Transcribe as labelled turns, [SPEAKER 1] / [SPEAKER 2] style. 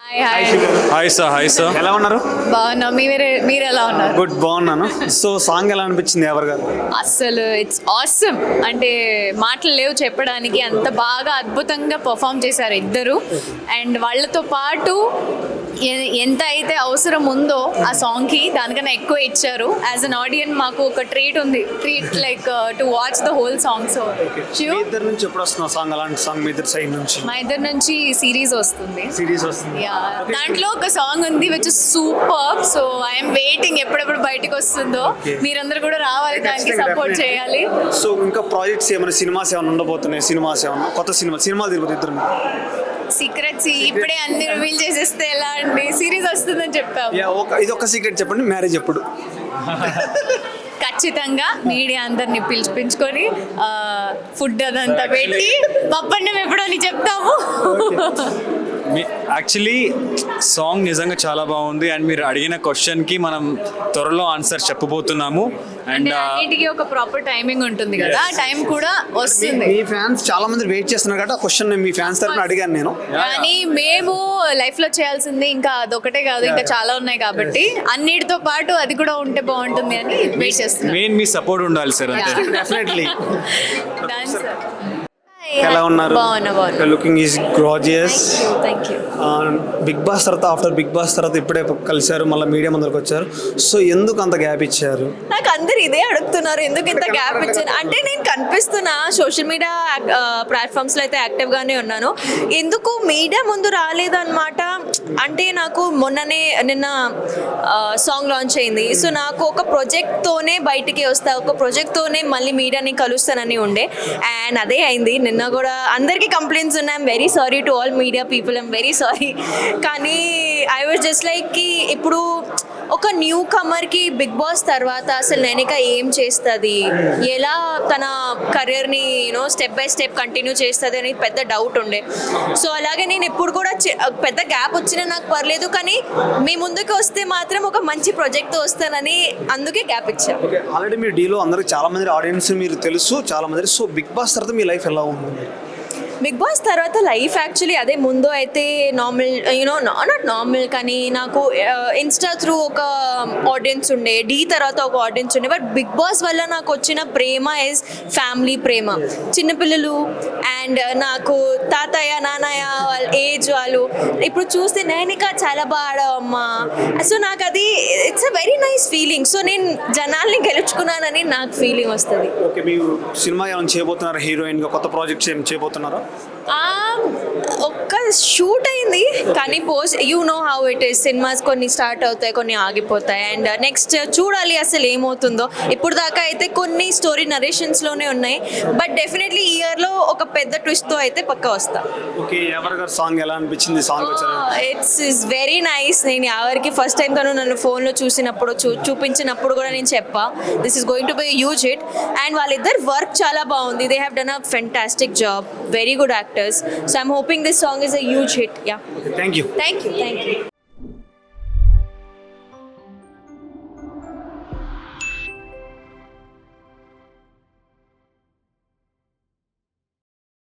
[SPEAKER 1] Hi
[SPEAKER 2] hi sir
[SPEAKER 1] ఎలా ఉన్నారు?
[SPEAKER 3] బాగున్నా. మీరు ఎలా ఉన్నారు?
[SPEAKER 1] గుడ్, బాగున్నాను. సో సాంగ్ ఎలా అనిపించింది ఎవరు గారు?
[SPEAKER 3] అసలు ఇట్స్ ఆసమ్. అంటే మాటలు లేవు చెప్పడానికి, అంత బాగా అద్భుతంగా పర్ఫామ్ చేశారు ఇద్దరు. అండ్ వాళ్ళతో పాటు ఎంత అయితే అవసరం ఉందో ఆ సాంగ్కి దానికన్నా ఎక్కువ ఇచ్చారు. యాజ్ అన్ ఆడియన్స్ మాకు ఒక ట్రీట్ ఉంది, treat like to watch the whole song. So
[SPEAKER 1] మీ ఇద్దరు నుంచి ఎప్పుడు వస్తున్న సాంగ్? అలాంటి సాంగ్ మీ ఇద్దరు సైడ్ నుంచి?
[SPEAKER 3] మా ఇద్దరి నుంచి సిరీస్ వస్తుంది.
[SPEAKER 1] సిరీస్ వస్తుంది.
[SPEAKER 3] దాంట్లో ఒక సాంగ్ ఉంది which is super. So I'm waiting ఎప్పుడెప్పుడు బయటకు వస్తుందో. మీరందరూ కూడా రావాలి, దానికి సపోర్ట్ చేయాలి.
[SPEAKER 1] సో ఇంకా ప్రాజెక్ట్స్ ఏమైనా, సినిమాస్ ఏమైనా ఉండబోతున్నాయి? సినిమాస్ ఏమైనా, కొత్త సినిమాలు తిరుగుతుంది ఇద్దరు?
[SPEAKER 3] సీక్రెట్స్ ఇప్పుడే అన్ని రివీల్ చేసేస్తే ఎలా అండి? సిరీస్ వస్తుందని చెప్పాము.
[SPEAKER 1] ఇది ఒక సీక్రెట్ చెప్పండి, మ్యారేజ్ ఎప్పుడు?
[SPEAKER 3] ఖచ్చితంగా మీడియా అందరిని పిలిపించుకొని ఫుడ్ అదంతా పెట్టి పప్పన్నం ఎప్పుడో అని చెప్తాము.
[SPEAKER 2] యాక్చువల్లీ సాంగ్ నిజంగా చాలా బాగుంది. అండ్ మీరు అడిగిన క్వశ్చన్కి మనం త్వరలో ఆన్సర్ చెప్పబోతున్నాము. అండ్
[SPEAKER 3] అన్నిటికీ ఒక ప్రాపర్ టైమింగ్ ఉంటుంది కదా, టైం కూడా వస్తుంది.
[SPEAKER 1] మీ ఫ్యాన్స్ చాలా మంది వెయిట్ చేస్తున్నారు కాబట్టి ఆ క్వశ్చన్ మీ ఫ్యాన్స్ తరఫున అడిగాను నేను.
[SPEAKER 3] కానీ మేము లైఫ్ లో చేయాల్సింది ఇంకా అదొకటే కాదు, ఇంకా చాలా ఉన్నాయి కాబట్టి అన్నిటితో పాటు అది కూడా ఉంటే బాగుంటుంది అని వెయిట్ చేస్తున్నాం.
[SPEAKER 2] మెయిన్ మీ సపోర్ట్ ఉండాలి సార్. అంతే.
[SPEAKER 1] డెఫినెట్లీ.
[SPEAKER 3] ఎలా
[SPEAKER 1] ఎలా ఉన్నారు?
[SPEAKER 3] బాగున్నా.
[SPEAKER 1] Looking is gracious.
[SPEAKER 3] Thank you.
[SPEAKER 1] Bigg Boss తర్వాత, ఆఫ్టర్ బిగ్ బాస్ తర్వాత ఇప్పుడే కలిశారు, మళ్ళీ మీడియా ముందరకు వచ్చారు. సో ఎందుకు అంత గ్యాప్ ఇచ్చారు?
[SPEAKER 4] నాకు అందరు ఇదే అడుగుతున్నారు, ఎందుకు ఇంత గ్యాప్ ఇచ్చాను అంటే నేను కనిపిస్తున్నా సోషల్ మీడియా ప్లాట్ఫామ్స్లో అయితే యాక్టివ్గానే ఉన్నాను. ఎందుకు మీడియా ముందు రాలేదన్నమాట అంటే నాకు నిన్న సాంగ్ లాంచ్ అయింది. సో నాకు ఒక ప్రాజెక్ట్తోనే బయటికి వస్తా, ఒక ప్రాజెక్ట్తోనే మళ్ళీ మీడియాని కలుస్తానని ఉండే. అండ్ అదే అయింది. నిన్న కూడా అందరికీ కంప్లైంట్స్ ఉన్నాయి. I'm very sorry to all media people, I'm very sorry. కానీ ఐ వాజ్ జస్ట్ లైక్ ఇప్పుడు ఒక న్యూ కమర్కి బిగ్ బాస్ తర్వాత అసలు నేనిక ఏం చేస్తుంది, ఎలా తన కెరియర్ని స్టెప్ బై స్టెప్ కంటిన్యూ చేస్తుంది అని పెద్ద డౌట్ ఉండే. సో అలాగే నేను ఇప్పుడు కూడా పెద్ద గ్యాప్ వచ్చినా నాకు పర్లేదు, కానీ మీ ముందుకు వస్తే మాత్రం ఒక మంచి ప్రాజెక్ట్తో వస్తానని అందుకే గ్యాప్ ఇచ్చాను.
[SPEAKER 1] ఓకే, ఆల్రెడీ మీ డీలో అందరికి చాలా మంది ఆడియన్స్ మీరు తెలుసు చాలా మంది. సో బిగ్ బాస్ తర్వాత మీ లైఫ్ ఎలా ఉంది?
[SPEAKER 4] బిగ్ బాస్ తర్వాత లైఫ్ యాక్చువల్లీ అదే ముందు అయితే నార్మల్ నాట్ నార్మల్, కానీ నాకు ఇన్స్టా త్రూ ఒక ఆడియన్స్ ఉండే, డీ తర్వాత ఒక ఆడియన్స్ ఉండే. బట్ బిగ్ బాస్ వల్ల నాకు వచ్చిన ప్రేమ ఇస్ ఫ్యామిలీ ప్రేమ. చిన్నపిల్లలు అండ్ నాకు తాతయ్య నాన్నయ్య వాళ్ళ ఏజ్ వాళ్ళు ఇప్పుడు చూస్తే నేనిక చాలా బాగా ఆడావమ్మా. సో నాకు అది it's a very nice feeling. So నేను జనాల్ని గెలుచుకున్నానని నాకు ఫీలింగ్ వస్తుంది.
[SPEAKER 1] ఓకే, మీరు సినిమా ఏమైనా చేయబోతున్నారు? హీరోయిన్గా కొత్త ప్రాజెక్ట్స్ ఏం చేయబోతున్నారా?
[SPEAKER 4] ఒక్క షూట్ అయింది, కానీ you know how it is, cinemas కొన్ని స్టార్ట్ అవుతాయి, కొన్ని ఆగిపోతాయి. అండ్ నెక్స్ట్ చూడాలి అసలు ఏమవుతుందో. ఇప్పుడు దాకా అయితే కొన్ని స్టోరీ నరేషన్స్లోనే ఉన్నాయి, బట్ డెఫినెట్లీ ఈ ఇయర్లో ఒక పెద్ద ట్విస్ట్తో అయితే పక్కా వస్తా.
[SPEAKER 1] ఓకే, ఎవరి గారు సాంగ్ ఎలా అనిపించింది? Song
[SPEAKER 4] it's very nice. నేను ఎవరికి ఫస్ట్ టైం తను నన్ను ఫోన్లో చూసినప్పుడు చూపించినప్పుడు కూడా నేను చెప్పా this is going to be huge hit. And వాళ్ళిద్దరు వర్క్ చాలా బాగుంది. They have done a fantastic job, very good actors. So I'm hoping this song is a huge hit. Yeah.
[SPEAKER 1] Okay, thank you.
[SPEAKER 4] Thank you.